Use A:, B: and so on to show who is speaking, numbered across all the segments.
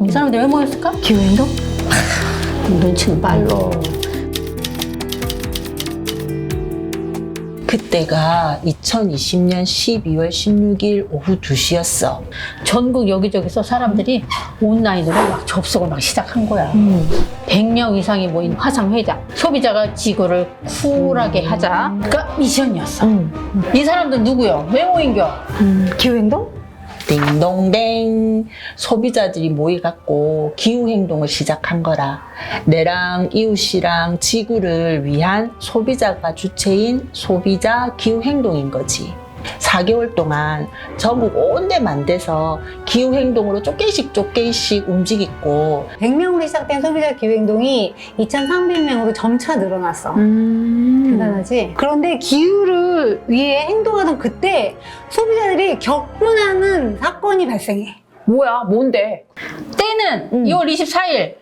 A: 이 사람들 왜 모였을까?
B: 기후행동?
A: 눈치는 빨로.
C: 그때가 2020년 12월 16일 오후 2시였어.
A: 전국 여기저기서 사람들이 온라인으로 막 접속을 막 시작한 거야. 100명 이상이 모인 화상회담. 소비자가 지구를 쿨하게 하자가 미션이었어. 이 사람들 누구요? 왜 모인겨?
B: 기후행동?
C: 딩동댕. 소비자들이 모여갖고 기후행동을 시작한 거라. 내랑 이웃이랑 지구를 위한 소비자가 주체인 소비자 기후행동인 거지. 4개월 동안 전국 온데 만데서 기후행동으로 조금씩 움직이고
B: 100명으로 시작된 소비자 기후행동이 2,300명으로 점차 늘어났어. 대단하지? 그런데 기후를 위해 행동하던 그때 소비자들이 격분하는 사건이 발생해.
D: 뭐야? 뭔데?
A: 때는 2월 24일.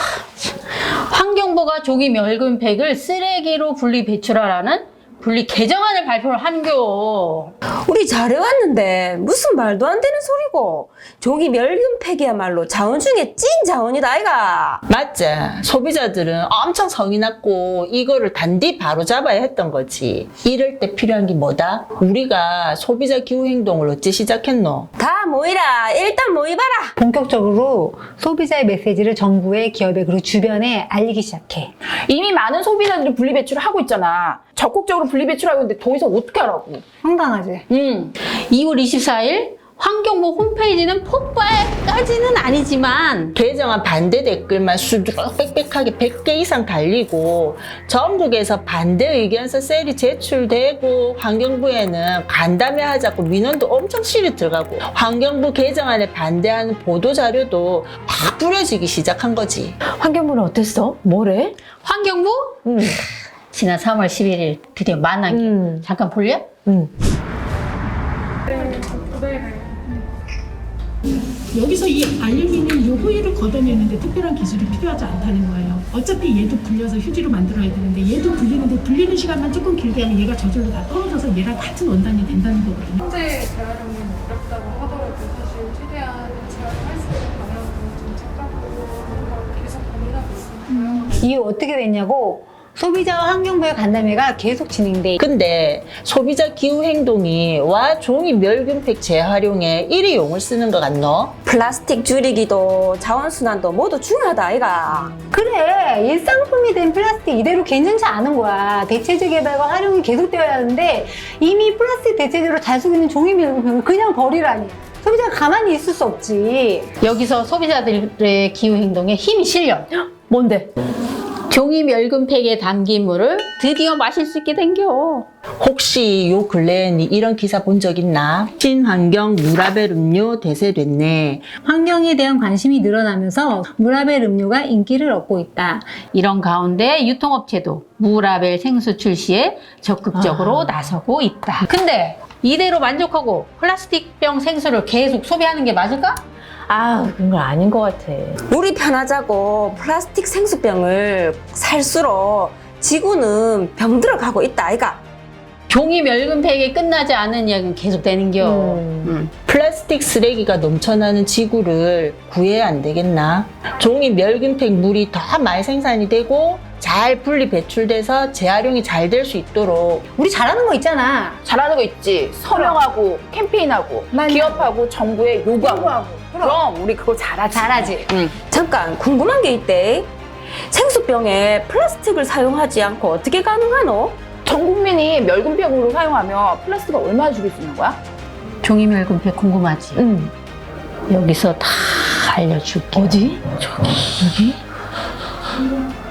A: 환경부가 조기 멸균팩을 쓰레기로 분리 배출하라는 분리 개정안을 발표를 한겨.
E: 우리 잘해왔는데 무슨 말도 안 되는 소리고. 종이 멸균팩이야말로 자원 중에 찐 자원이다 아이가.
C: 맞지? 소비자들은 엄청 성이 났고 이거를 단디 바로 잡아야 했던 거지. 이럴 때 필요한 게 뭐다? 우리가 소비자 기후행동을 어찌 시작했노?
E: 다 모이라. 일단 모이봐라.
B: 본격적으로 소비자의 메시지를 정부에, 기업에, 그리고 주변에 알리기 시작해.
D: 이미 많은 소비자들이 분리배출을 하고 있잖아. 적극적으로 분리배출하고 있는데 더 이상 어떻게 하라고?
B: 황당하지?
A: 2월 24일 환경부 홈페이지는 폭발까지는 아니지만
C: 개정안 반대 댓글만 수두룩 빽빽하게 100개 이상 달리고 전국에서 반대 의견서 셀이 제출되고 환경부에는 간담회 하자고 민원도 엄청 실이 들어가고 환경부 개정안에 반대하는 보도자료도 막 뿌려지기 시작한 거지.
E: 환경부는 어땠어? 뭐래?
A: 환경부? 지난 3월 11일 드디어 만난 게 잠깐 볼래?
F: 여기서 이 알루미늄 요 호일을 걷어내는데 특별한 기술이 필요하지 않다는 거예요. 어차피 얘도 불려서 휴지로 만들어야 되는데 얘도 불리는데 불리는 시간만 조금 길게 하면 얘가 저절로 다 떨어져서 얘랑 같은 원단이 된다는 거거든요.
G: 현재 재활용이 어렵다고 하더라도 사실 최대한 재활용할 수 있는 방향으로 좀 찾아보고 하는 걸 계속 고민하고 있습니다.
B: 이후 어떻게 됐냐고 소비자와 환경부의 간담회가 계속 진행돼.
C: 근데 소비자 기후행동이 와 종이 멸균팩 재활용에 이리 용을 쓰는 것 같노?
E: 플라스틱 줄이기도 자원순환도 모두 중요하다 아이가.
B: 그래, 일상품이 된 플라스틱 이대로 괜찮지 않은 거야. 대체재 개발과 활용이 계속되어야 하는데 이미 플라스틱 대체재로 잘 쓰고 있는 종이 멸균팩을 그냥 버리라니. 소비자가 가만히 있을 수 없지.
A: 여기서 소비자들의 기후행동에 힘이 실려.
B: 뭔데?
A: 종이 멸균팩에 담긴 물을 드디어 마실 수 있게 된겨.
C: 혹시 요 근래에 이런 기사 본 적 있나? 친환경 무라벨 음료 대세됐네.
B: 환경에 대한 관심이 늘어나면서 무라벨 음료가 인기를 얻고 있다.
A: 이런 가운데 유통업체도 무라벨 생수 출시에 적극적으로 나서고 있다. 근데 이대로 만족하고 플라스틱병 생수를 계속 소비하는 게 맞을까?
E: 아, 그건 아닌 것 같아. 우리 편하자고 플라스틱 생수병을 살수록 지구는 병들어가고 있다 아이가.
A: 종이 멸균팩에 끝나지 않은 이야기는 계속 되는겨.
C: 플라스틱 쓰레기가 넘쳐나는 지구를 구해야 안 되겠나? 종이 멸균팩 물이 더 많이 생산이 되고 잘 분리 배출돼서 재활용이 잘 될 수 있도록
B: 우리 잘하는 거 있잖아.
D: 잘하는 거 있지. 서명하고 캠페인하고 기업하고 정부에 요구하고. 그럼 우리 그거 잘하지.
E: 잠깐 궁금한 게 있대. 생수병에 플라스틱을 사용하지 않고 어떻게 가능하노?
D: 전 국민이 멸균팩으로 사용하면 플라스틱을 얼마나 줄일 수 있는 거야?
A: 종이 멸균팩 궁금하지? 여기서 다 알려줄게.
B: 어디?
A: 저기. 여기?